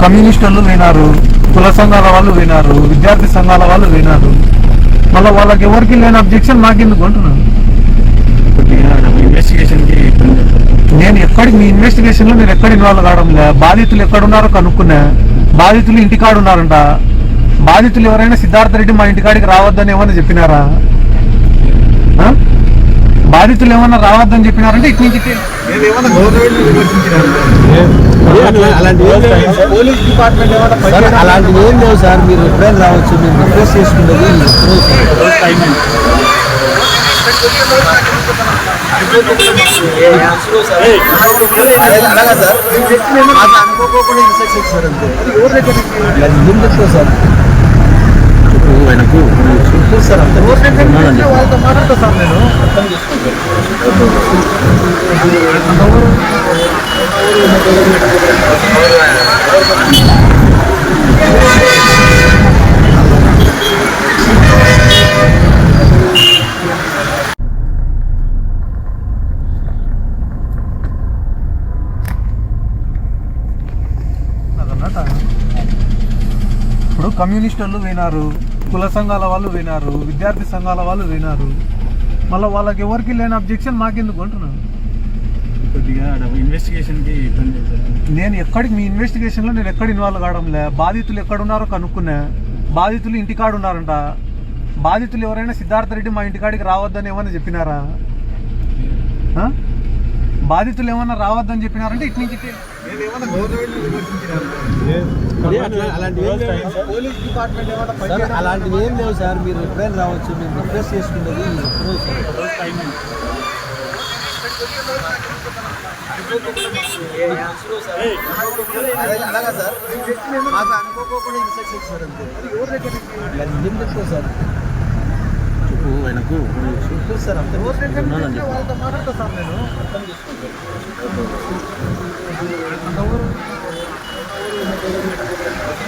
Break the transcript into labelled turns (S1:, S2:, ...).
S1: కమ్యూనిస్టులు వినారు, కుల సంఘాల వాళ్ళు వినారు, విద్యార్థి సంఘాల వాళ్ళు వినారు. మళ్ళీ వాళ్ళకి ఎవరికి లేని అబ్జెక్షన్ నాకెందుకు అంటున్నాను. నేను ఎక్కడికి మీ ఇన్వెస్టిగేషన్ లో నేను ఎక్కడ ఇన్వాల్వ్ కావడం లే. బాధితులు ఎక్కడున్నారో కనుక్కున్నా. బాధితులు ఇంటికాడు ఉన్నారంట. బాధితులు ఎవరైనా సిద్ధార్థ రెడ్డి మా ఇంటికాడికి రావద్దని ఏమన్నా చెప్పినారా? బాధితులు ఏమన్నా రావద్దని చెప్పినారంటే ఇటు నుంచి
S2: పోలీస్ డిపార్ట్మెంట్ అలాంటివి ఏం లేవు సార్. మీరు ఎప్పుడైనా రావచ్చు. మేము రిక్వెస్ట్ చేసుకున్నది అలాగా సార్. మాకు అనుకోకుండా ఇన్స్ట్రక్షన్ సార్. అంతే ఏం చెప్తావు సార్ ఆయనకు సార్. వాళ్ళతో మాట్లాడతా సార్. నేను అర్థం
S1: ఇప్పుడు కమ్యూనిస్టులు వినారు, కుల సంఘాల వాళ్ళు వినారు, విద్యార్థి సంఘాల వాళ్ళు వినారు. మళ్ళీ వాళ్ళకి ఎవరికి లేని అబ్జెక్షన్ నాకెందుకు అంటున్నాను.
S2: ఇన్వెస్టిగేషన్కి
S1: నేను ఎక్కడికి మీ ఇన్వెస్టిగేషన్ లో నేను ఎక్కడ ఇన్వాల్వ్ కావడం లే. బాధితులు ఎక్కడున్నారో కనుక్కున్నా. బాధితులు ఇంటికాడు ఉన్నారంట. బాధితులు ఎవరైనా సిద్ధార్థ రెడ్డి మా ఇంటికాడికి రావద్దని ఏమన్నా చెప్పినారా? బాధితులు ఏమన్నా రావద్దని చెప్పినారంటే ఇటు నుంచి
S2: పోలీస్ డిపార్ట్మెంట్ అలాంటివి ఏం లేవు సార్. మీరు ఎప్పుడైనా రావచ్చు. మేము రిక్వెస్ట్ చేసుకున్నది అలాగా సార్. మాకు అనుకోకుండా ఇన్స్ట్రక్షన్ సార్. అంతే ఏం చెప్తావు సార్ ఆయనకు సార్. అంతే వాళ్ళతో మాట్లాడతా సార్. నేను అర్థం చేసుకుంటాను.